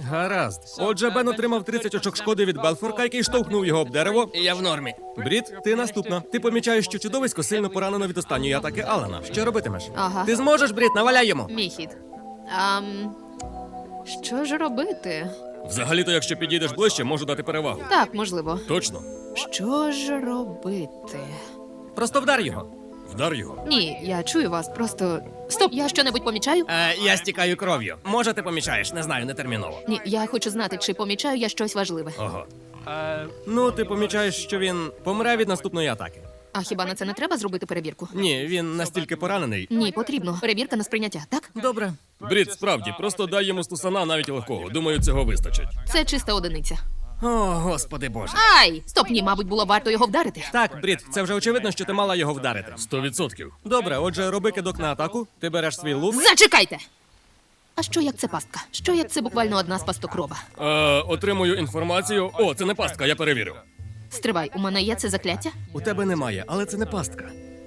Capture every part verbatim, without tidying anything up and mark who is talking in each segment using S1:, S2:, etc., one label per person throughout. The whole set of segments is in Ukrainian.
S1: Гаразд. Отже, Бен отримав тридцять очок шкоди від Белфорка, який штовхнув його об дерево. Я в нормі. Брід, ти наступна. Ти помічаєш, що чудовисько сильно поранено від останньої атаки Алана. Що робитимеш?
S2: Ага.
S1: Ти зможеш, Брід, наваляй йому.
S2: Мій хід. Ам... Що ж робити?
S1: Взагалі-то, якщо підійдеш ближче, можу дати перевагу.
S2: Так, можливо.
S1: Точно.
S2: Що ж робити?
S1: Просто вдар його. Вдар його.
S2: Ні, я чую вас, просто... Стоп, я що-небудь помічаю?
S1: Е, я стікаю кров'ю. Може, ти помічаєш, не знаю, не терміново.
S2: Ні, я хочу знати, чи помічаю я щось важливе.
S1: Ого. Е, ну, ти помічаєш, що він помре від наступної атаки.
S2: А хіба на це не треба зробити перевірку?
S1: Ні, він настільки поранений.
S2: Ні, потрібно. Перевірка на сприйняття, так?
S1: Добре. Брід, справді, просто дай йому стусана навіть легкого. Думаю, цього вистачить.
S2: Це чиста одиниця.
S1: О, господи боже.
S2: Ай! Стоп, ні, мабуть, було варто його вдарити.
S1: Так, Брід, це вже очевидно, що ти мала його вдарити. Сто відсотків. Добре, отже, роби кидок на атаку. Ти береш свій лук.
S2: Зачекайте! А що як це пастка? Що як це буквально одна з пастокрова?
S1: Е, отримую інформацію. О, це не пастка, я перевірю.
S2: Стривай, у мене є це закляття?
S1: У тебе немає, але це не пастка.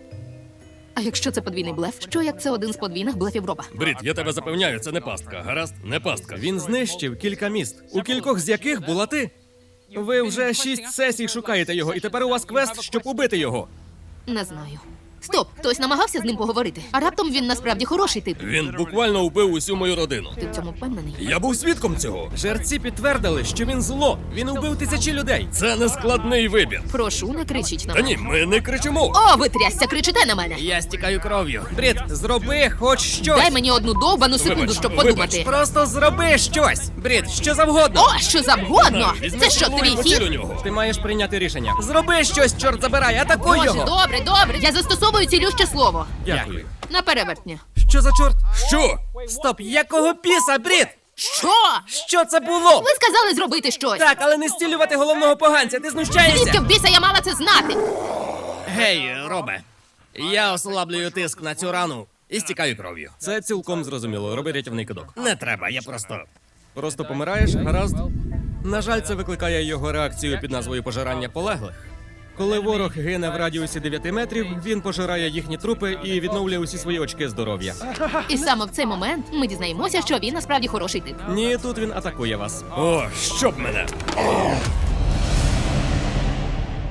S2: А якщо це подвійний блеф? Що як це один з подвійних блефів роба?
S1: Брід, я тебе запевняю, це не пастка. Гаразд? Не пастка. Він знищив кілька міст, у кількох з яких була ти. Ви вже шість сесій шукаєте його, і тепер у вас квест, щоб убити його.
S2: Не знаю. Стоп, хтось намагався з ним поговорити. А раптом він насправді хороший тип.
S1: Він буквально убив усю мою родину.
S2: Ти в цьому впевнений?
S1: Я був свідком цього. Жерці підтвердили, що він зло. Він убив тисячі людей. Це не складний вибір.
S2: Прошу, не кричіть на
S1: Та
S2: мене.
S1: ні, ми не кричимо.
S2: О, ви трясся, кричите на мене!
S1: Я стікаю кров'ю. Брід, зроби хоч щось.
S2: Дай мені одну довбану секунду,
S1: Вибач,
S2: щоб
S1: вибач.
S2: подумати.
S1: Просто зроби щось. Брід, що завгодно.
S2: О, що завгодно!
S1: Візьми
S2: Це що,
S1: голову і
S2: твій
S1: поціль у
S2: хід?
S1: нього. Ти маєш прийняти рішення. Зроби щось, чорт забирай, атакуй
S2: Боже,
S1: його.
S2: добре, добре. Я застосовую цілюще слово.
S1: Дякую.
S2: На перевертня.
S1: Що за чорт? Що? Стоп, якого піса, Брід?
S2: Що?
S1: Що це було?
S2: Ви сказали зробити щось.
S1: Так, але не стілювати головного поганця, ти знущаєшся?
S2: Звідки в біса я мала це знати?
S1: Гей, Робе, я ослаблюю тиск на цю рану і стікаю кров'ю. Це цілком зрозуміло, роби рятівний кидок. Не треба, я просто... Просто помираєш, гаразд? На жаль, це викликає його реакцію під назвою пожирання полеглих. Коли ворог гине в радіусі дев'яти метрів, він пожирає їхні трупи і відновлює усі свої очки здоров'я.
S2: І саме в цей момент ми дізнаємося, що він насправді хороший тип.
S1: Ні, тут він атакує вас. О, щоб мене!